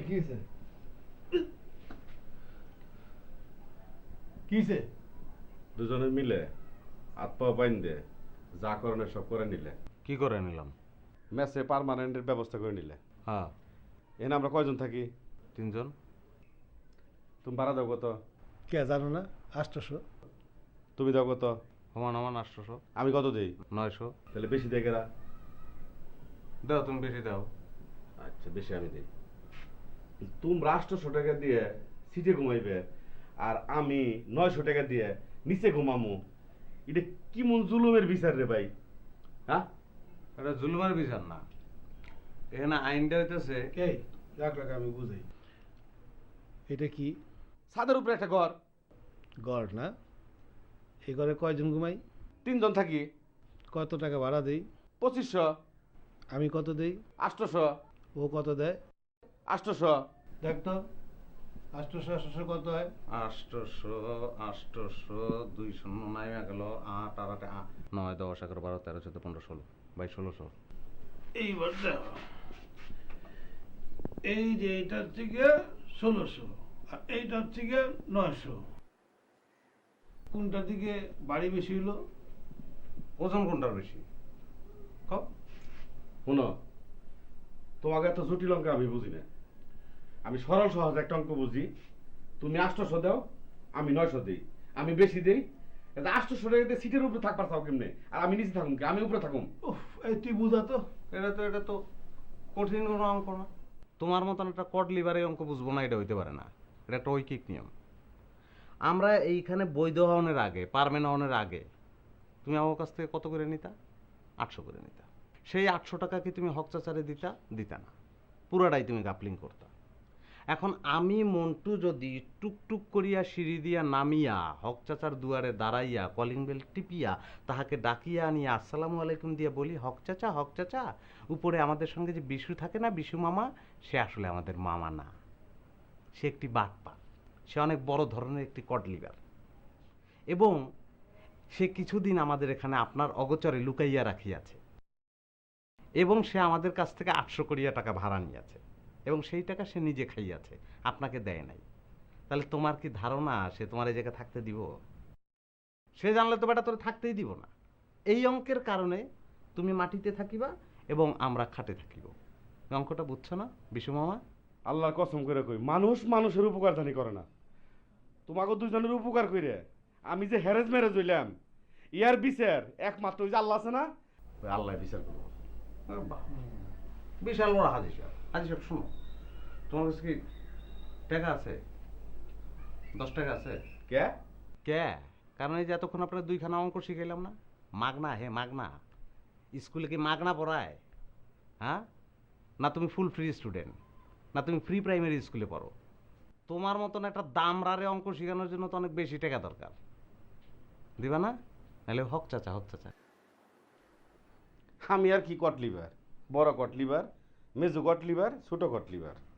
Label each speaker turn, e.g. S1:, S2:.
S1: কি হয়েছে? কি হয়েছে?
S2: দুজনে মিলে হাত পা বাইন্ধে যা করণের সব করে নিলে।
S3: কি করে নিলাম?
S2: মেসে পার্মানেন্টের ব্যবস্থা করে নিলে।
S3: হ্যাঁ,
S2: এনে আমরা কয়জন থাকি?
S3: 3 জন।
S2: তুমি ভাড়া দাও কত?
S1: কে জানো না? 800।
S2: তুমি দাও কত?
S3: সমান সমান 800।
S2: আমি কত দেই?
S3: 900।
S2: তাহলে বেশি দেয় কেরা?
S3: দাও, তুমি বেশি দাও।
S2: আচ্ছা, বেশি আমি দিই। তোমরা 800 টাকা দিয়ে সিটে ঘুমাইবে আর আমি 900 টাকা দিয়ে নিচে ঘুমামু। এটা কি মন জুলুমের বিচার রে ভাই? হ্যাঁ,
S3: এটা জুলুমের বিচার না, এখানে আইনটা হইতেছে।
S1: এই রাখ রাখ, আমি বুঝাই। এটা কি?
S2: ছাদের উপরে একটা ঘর।
S1: গড় না? এই ঘরে কয়জন ঘুমাই?
S2: 3 জন থাকি।
S1: কত টাকা ভাড়া দেই?
S2: 2500।
S1: আমি কত দেই?
S2: 800।
S1: ও কত দেয়?
S2: 800।
S1: দেখ তো, 800 কত হয়?
S3: 800 800 200 নাইমা গেল 8 আর 8 9 10 11 12 13 14 15 16 22 1600।
S1: এইবার দেখো, এই যে এইটার থেকে 1600 আর এইটার থেকে 900, কোনটার দিকে বাড়ি বেশি হলো?
S3: ওজন কোনটার বেশি? কও।
S2: শোনো, তোমাকে এত জটিল অঙ্ক আমি বুঝি না। আমি সরল সহজ একটা অঙ্ক বুঝি। তুমি 800 দাও, আমি 900 দিই। আমি বেশি দিই। 800 টাকা দিয়ে সিটের উপরে থাকবার চাও কেমনে? আর আমি নিচে থাকুম কি? আমি উপরে থাকুম।
S1: উফ, এই তুই বুঝা তো।
S3: এটা তো কঠিন কোনো অঙ্ক না। তোমার মতন একটা কড লিভারের অঙ্ক বুঝবো না, এটা হইতে পারে না। এটা একটা ঐকিক নিয়ম। আমরা এইখানে বৈধ হওয়ার আগে, পারমেন্ট হওয়ার আগে তুমি আমার কাছ থেকে কত করে নিতা? 800 করে নিতা। সেই 800 টাকা কি তুমি হক চাচারে দিতা না, পুরাটাই তুমি গাপলিং করতা। এখন আমি মন্টু যদি টুকটুক করিয়া সিঁড়ি দিয়া নামিয়া হক চাচার দুয়ারে দাঁড়াইয়া কলিং বেল টিপিয়া তাহাকে ডাকিয়া আনিয়া আসসালামু আলাইকুম দিয়া বলি, হক চাচা, উপরে আমাদের সঙ্গে যে বিশু থাকে না, বিশু মামা, সে আসলে আমাদের মামা না, সে একটি বাটপা, সে অনেক বড় ধরনের একটি কড লিভার, এবং সে কিছুদিন আমাদের এখানে আপনার অগোচরে লুকাইয়া রাখিয়াছে, এবং সে আমাদের কাছ থেকে 800 কোটিয়া টাকা ভাড়া নিয়েছে, এবং সেই টাকা সে নিজে খাইয়াছে, আপনাকে দেয় নাই। তাহলে তোমার কি ধারণা সে তোমার এই জায়গায় থাকতে দিব? সে জানলে তো বেটা তোর থাকতেই দিব না। এই অঙ্কের কারণে তুমি মাটিতে থাকিবা এবং আমরা খাটে থাকিব। অঙ্কটা বুঝছো না বিশু মামা?
S2: আল্লাহর কসম করে কই, মানুষ মানুষের উপকার জানি করে না। তোমাকে দুজনের উপকার কইরে আমি যে হ্যারেজ ম্যারেজ হইলাম, ইয়ার বিচার একমাত্র ওই যে আল্লাহ আছে না, ওই আল্লাহ বিচার করবো।
S3: বিশাল বড় হাজি সাহেব, শোনো, তোমার কাছে কি টাকা আছে? 10 টাকা আছে?
S2: কে?
S3: কে? কারণ এই যে এতক্ষণ আপনার 2খানা অঙ্ক শিখাইলাম না, মাগনা, হে মাগনা। স্কুলে কি মাগনা পড়ায়? হ্যাঁ, না তুমি ফুল ফ্রি স্টুডেন্ট, না তুমি ফ্রি প্রাইমারি স্কুলে পড়ো? তোমার মতন একটা দামরারে অঙ্ক শেখানোর জন্য তো অনেক বেশি টাকা দরকার। দিবা না? নাহলে হক চাচা।
S2: আমি আর কি কট লিভার? বড় কট লিভার, মেজু কট লিভার, ছোট কট লিভার।